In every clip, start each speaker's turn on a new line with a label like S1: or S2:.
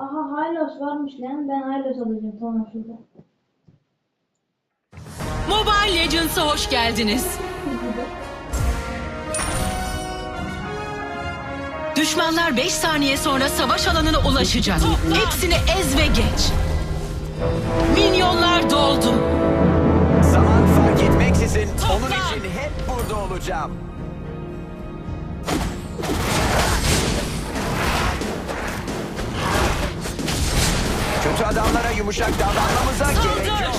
S1: Aha Hylos varmış lan. Ben Hylos alacağım. Tamam şurada.
S2: Mobile Legends'a hoş geldiniz. Düşmanlar 5 saniye sonra savaş alanına ulaşacak. Hepsini ez ve geç. Minyonlar doldu.
S3: Zaman fark etmeksizin onun için hep burada olacağım. Kötü adamlara yumuşak davranmamıza gerek yok.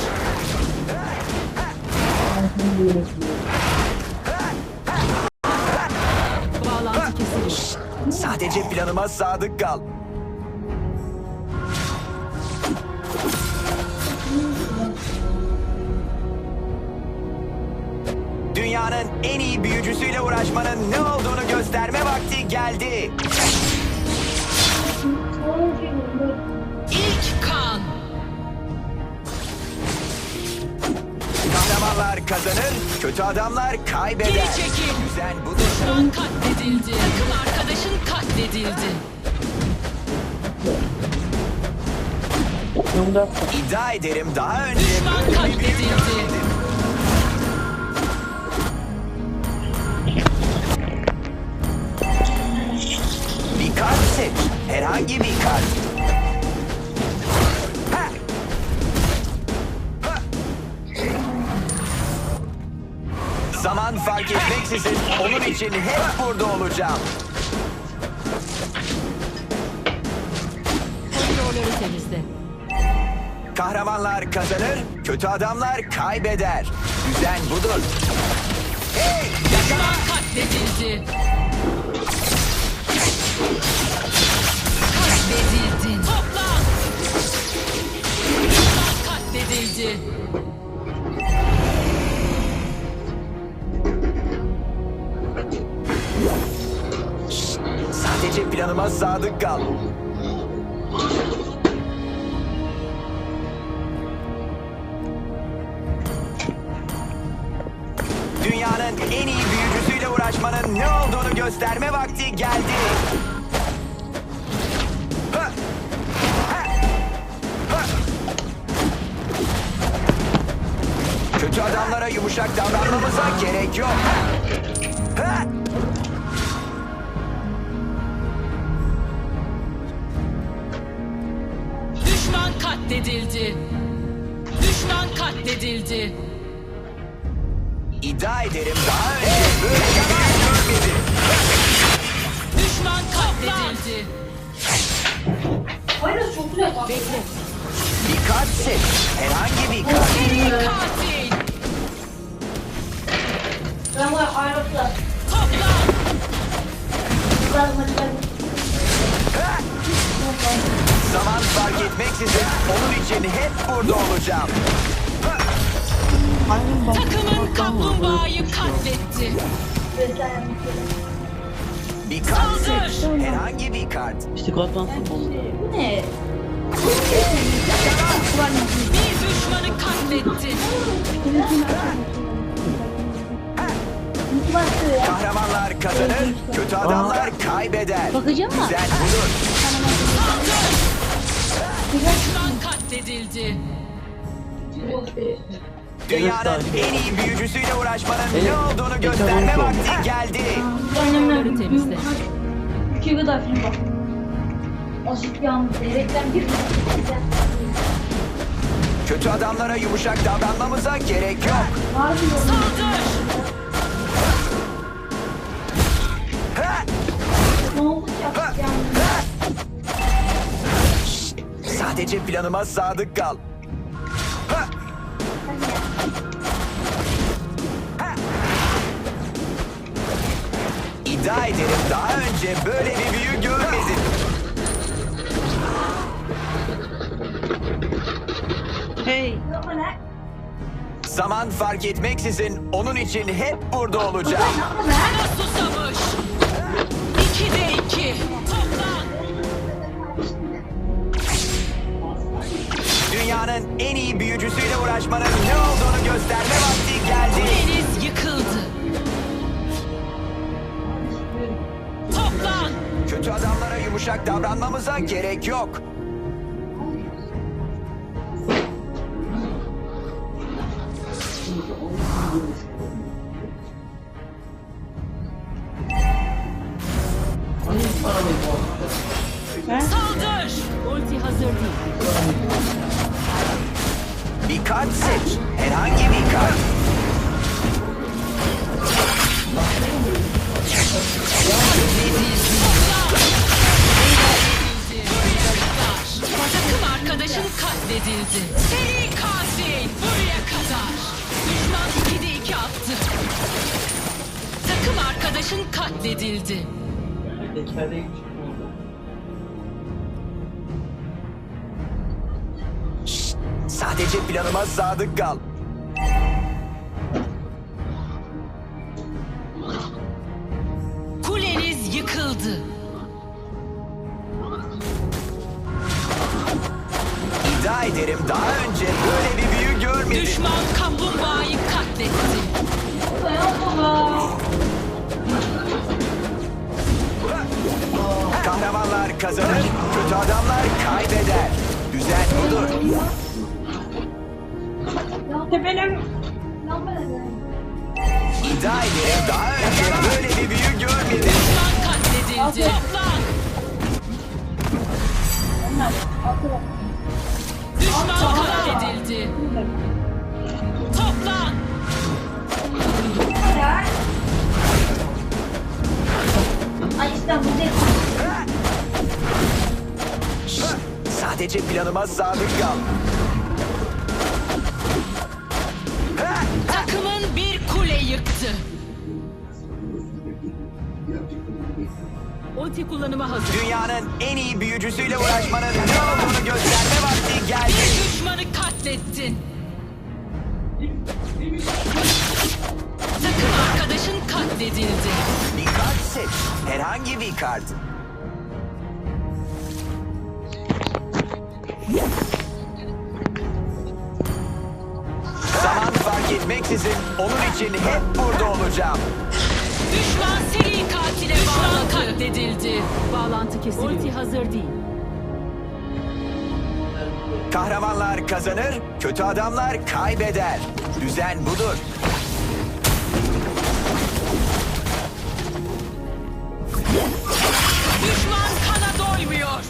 S2: Bağlantı kesilmiş.
S3: Sadece planıma sadık kal. Dünyanın en iyi büyücüsüyle uğraşmanın ne olduğunu gösterme vakti geldi.
S2: İlk kan.
S3: Kahramanlar kazanır, kötü adamlar kaybeder.
S2: Geri çekil.
S3: Düzen budur.
S2: Düşman katledildi. Takım arkadaşın katledildi.
S3: İddia ederim daha önce
S2: Düşman
S3: böyle bir büyü
S2: katledildi.
S3: görmedim. Bir kart seç. Herhangi bir kart. Ha! Ha! Zaman fark etmeksizin onun için hep burada olacağım.
S2: Kontrolleri temizle.
S3: Kahramanlar kazanır, kötü adamlar kaybeder. Düzen budur. Hey!
S2: Düşman katledildi. Katledildin. Toplan. Düşman katledildi.
S3: Sadece planıma sadık kal. Dünyanın en iyi büyücüsüyle uğraşmanın ne olduğunu gösterme vakti geldi. Ha! Ha! Ha! Kötü adamlara yumuşak davranmamıza gerek yok. Ha!
S2: Düşman katledildi. Düşman katledildi.
S3: İddia ederim daha önce böyle bir büyü görmedim.
S2: Düşman katledildi.
S1: Hylos çok güzel bak.
S2: Bekle.
S3: Bir kart seç. Herhangi bir kart.
S2: Seri katil.
S1: Ben bu Hylos'la.
S2: Toplan.
S1: Biraz maçlar.
S3: Ha! Zaman fark etmeksizin onun için hep burada olacağım. Ha!
S2: Takımın kaplumbağayı katletti.
S3: Bir kart
S2: Saldır!
S3: seç. Herhangi bir kart.
S1: Bu ne?
S2: Bir düşmanı katletti.
S3: Kahramanlar kazanır, kötü adamlar kaybeder.
S1: Bakacağım mı?
S3: Düzen budur.
S2: Saldır! Düşman katledildi.
S3: Dünyanın en iyi büyücüsüyle uğraşmanın ne olduğunu gösterme vakti geldi.
S2: Kontrolleri temizle.
S1: İki kadar film bak. Aşık yalnız. Reklam girdi.
S3: Kötü adamlara yumuşak davranmamıza gerek yok.
S1: Var mı?
S2: Saldır!
S3: Ha!
S1: Ne oldu ki aşık yalnız?
S3: Ha! Sadece planıma sadık kal. Ha! Ha! İddia ederim daha önce böyle bir büyü görmedim.
S1: Yapma lan.
S3: Zaman fark etmeksizin onun için hep burada olacağım.
S1: Yapma lan.
S2: Kana susamış. 2'de 2. Toplan.
S3: Dünyanın en iyi büyücüsüyle uğraşmanın ne olduğunu gösterme vakti geldi.
S2: Deniz yıkıldı. Toplan.
S3: Kötü adamlara yumuşak davranmamıza gerek yok. Bir kart seç. Herhangi bir kart.
S2: Takım arkadaşın katledildi. Seri katil buraya kadar. Düşman 2'de 2 attı. Takım arkadaşın katledildi.
S3: Sadece planıma sadık kal.
S2: Kuleniz yıkıldı.
S3: İddia ederim daha önce böyle bir büyü görmedim.
S2: Düşman kaplumbağayı katletti.
S1: Dayan baba.
S3: Kahramanlar kazanır, kötü adamlar kaybeder. Düzen budur.
S1: Tepelim. Lan ben de.
S3: İddia ederim daha önce böyle bir büyü görmedim.
S2: Düşman katledildi. Toplan.
S1: Onlar. Atı.
S2: Düşman katledildi. Toplan.
S1: Ay işte bu değil.
S3: Sadece planıma sadık kal.
S2: Takımın bir kule yıktı. Ulti kullanıma hazır.
S3: Dünyanın en iyi büyücüsüyle uğraşmanın ne olduğunu gösterme vakti geldi.
S2: Bir düşmanı katlettin. Takım arkadaşın katledildi.
S3: Bir kart seç. Herhangi bir kart. Zaman fark etmeksizin onun için hep burada olacağım.
S2: Düşman seri katile katledildi. Bağlantı kesildi. Ulti hazır değil.
S3: Kahramanlar kazanır, kötü adamlar kaybeder. Düzen budur.
S2: Düşman kana doymuyor.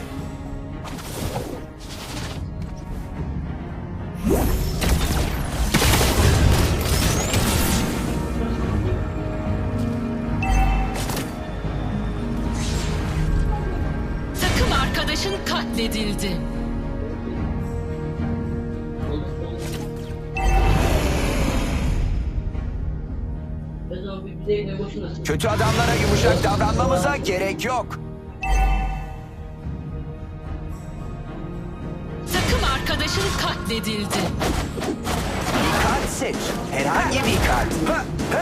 S2: Takım arkadaşın katledildi.
S3: Kötü adamlara yumuşak davranmamıza gerek yok.
S2: Takım arkadaşın katledildi.
S3: Bir kart seç. Herhangi bir kart.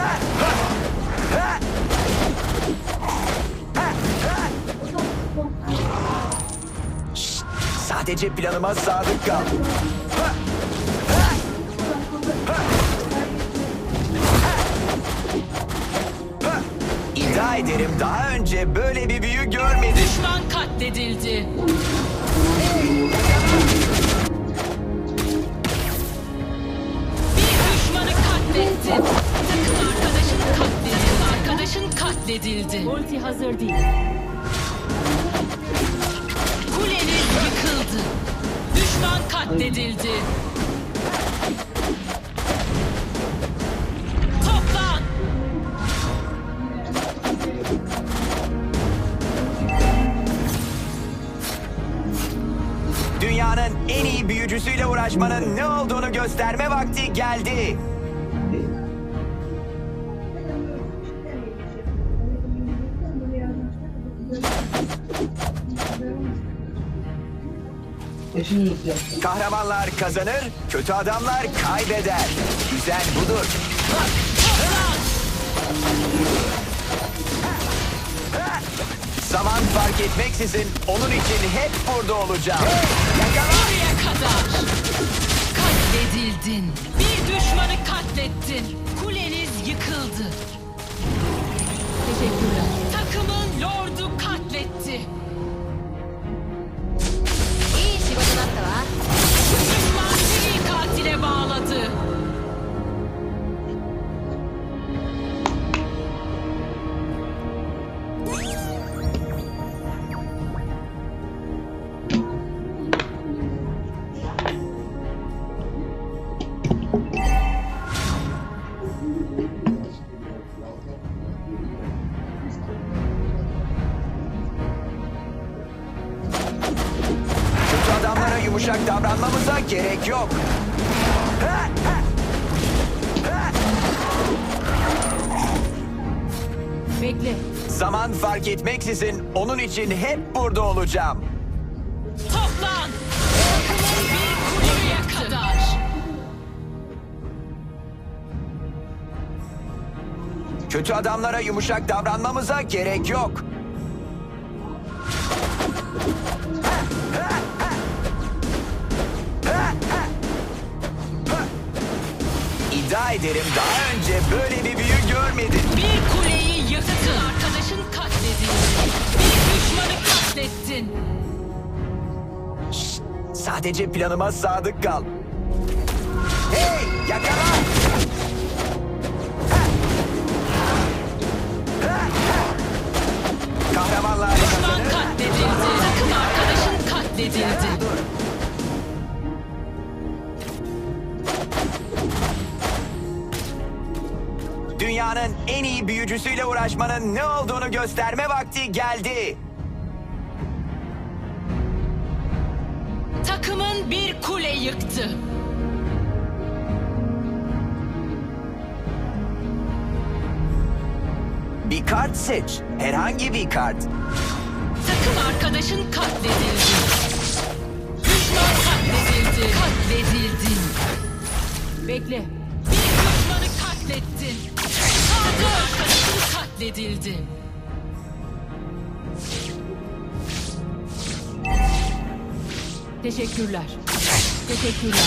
S3: Şşt, sadece planıma sadık kal. İddia ederim daha önce böyle bir büyü görmedim.
S2: Düşman katledildi. Bir düşmanı katlettin. Takım arkadaşın katledildi. Arkadaşın katledildi.
S4: Ulti hazır değil.
S2: Kuleniz yıkıldı. Düşman katledildi. Toplan.
S3: Dünyanın en iyi büyücüsüyle uğraşmanın ne olduğunu gösterme vakti geldi. Kahramanlar kazanır, kötü adamlar kaybeder. Düzen budur. Zaman fark etmeksizin onun için hep burada olacağım.
S2: Buraya kadar. Katledildin. Bir düşmanı katlettin. Kuleniz yıkıldı.
S4: Teşekkürler.
S2: Takımın lordu katletti. Düşman seri katile bağladı.
S3: Zaman fark etmeksizin onun için hep burada olacağım.
S2: Toplan. Takımın bir kuleye kadar.
S3: Kötü adamlara yumuşak davranmamıza gerek yok. İddia ederim daha önce böyle bir büyü görmedin.
S2: Bir kuleyi yıktın. Arkadaşın katledildi. Bir düşmanı katlettin.
S3: Sadece planıma sadık kal. Hey, yakala! Kahramanlar
S2: Düşman
S3: kazanır.
S2: katledildi. Takım arkadaşın katledildi.
S3: Dünyanın en iyi büyücüsüyle uğraşmanın ne olduğunu gösterme vakti geldi.
S2: Takımın bir kule yıktı.
S3: Bir kart seç. Herhangi bir kart.
S2: Takım arkadaşın katledildi. Düşman katledildi. Katledildin. Bekle. Bir düşmanı katlettin. Saldır. Arkadaşın katledildi. Teşekkürler. Teşekkürler.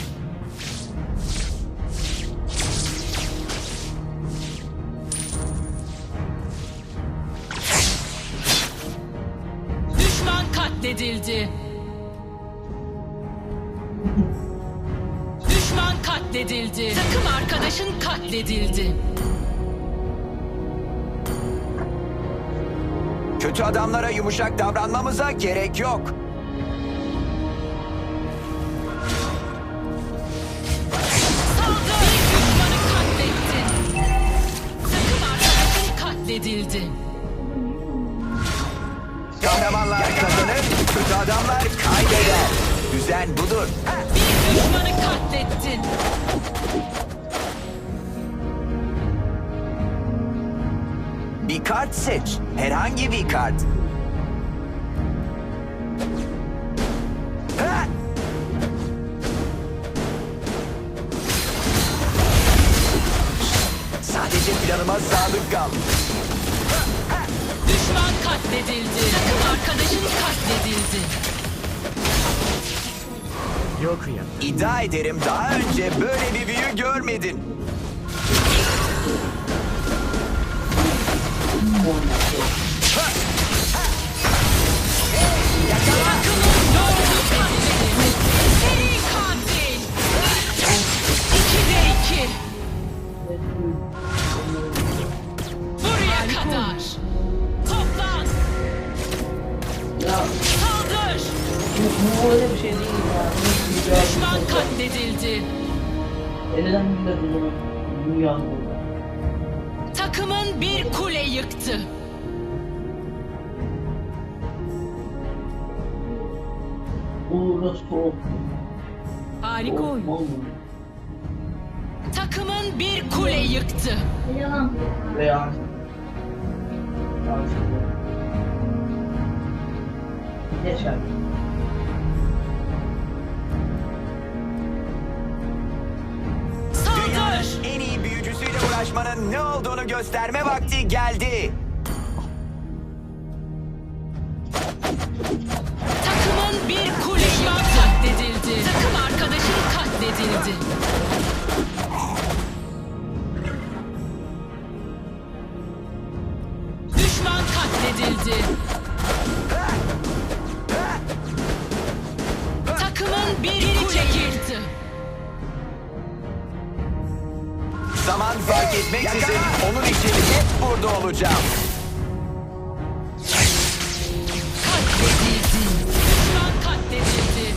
S2: Düşman katledildi. Düşman katledildi. Takım arkadaşın katledildi.
S3: Kötü adamlara yumuşak davranmamıza gerek yok.
S2: Saldır. Bir düşmanı katlettin. Takım arkadaşın katledildi.
S3: Kahramanlar kazanır, kötü adamlar kaybeder. Düzen budur.
S2: Bir düşmanı katlettin.
S3: Bir kart seç. Herhangi bir kart. Ha! Sadece planıma sadık kal.
S2: Düşman katledildi. Takım arkadaşın katledildi.
S4: Yok ya.
S3: İddia ederim daha önce böyle bir büyü görmedin.
S2: Takımın doğru katledildi. Seri katil. 2'de 2. Buraya kadar. Toplan. Saldır.
S5: Bu öyle bir şey değil ya.
S2: Düşman katledildi.
S5: Elden bile dururum. Dünya burada.
S2: Takımın bir kule yıktı.
S5: Burası soğuk.
S2: Harika oyun.
S5: Olmuyor.
S2: Takımın bir kule yıktı.
S1: Yalan.
S5: Veya geçer.
S2: Saldır.
S3: Dünyanın en iyi büyücüsüyle uğraşmanın ne olduğunu gösterme vakti geldi.
S2: Takımın bir kule katledildi. Takım arkadaşın katledildi. Düşman katledildi. Takımın bir kule yıktı.
S3: Zaman fark etmeksizin onun için hep burada olacağım.
S2: Katledildi. Düşman katledildi.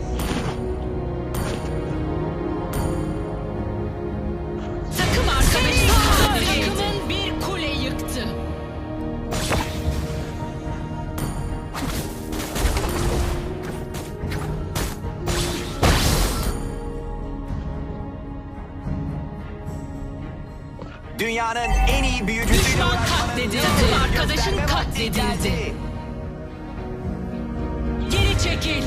S2: Takım arkadaşı katledildi. Takımın bir kule yıktı.
S3: Dünyanın en iyi büyücüsüyle
S2: Düşman
S3: uğraşmanın
S2: katledildi.
S3: ne olduğunu
S2: Arkadaşın
S3: gösterme vakti
S2: katledildi.
S3: geldi.
S2: Geri çekil.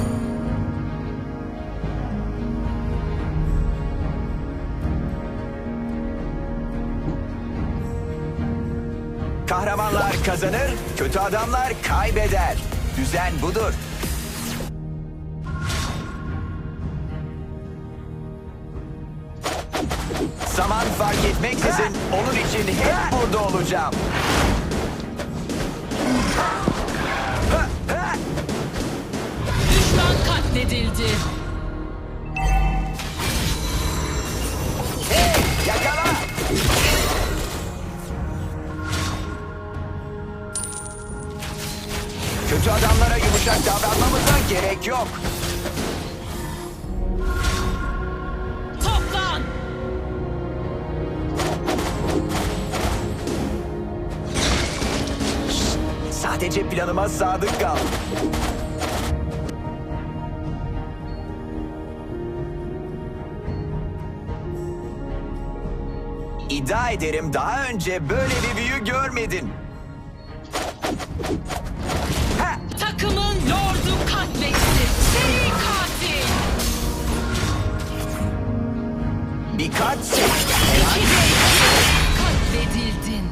S3: Kahramanlar kazanır, kötü adamlar kaybeder. Düzen budur. Zaman fark etmeksizin onun için hep burada olacağım.
S2: Düşman katledildi.
S3: Hey, yakala! Kötü adamlara yumuşak davranmamıza gerek yok.
S2: Toplan.
S3: Sadece planıma sadık kal. İddia ederim daha önce böyle bir büyü görmedin. Ha!
S2: Takımın lordu katletti. Seri katil.
S3: Bir kat seç.
S2: Katledildin.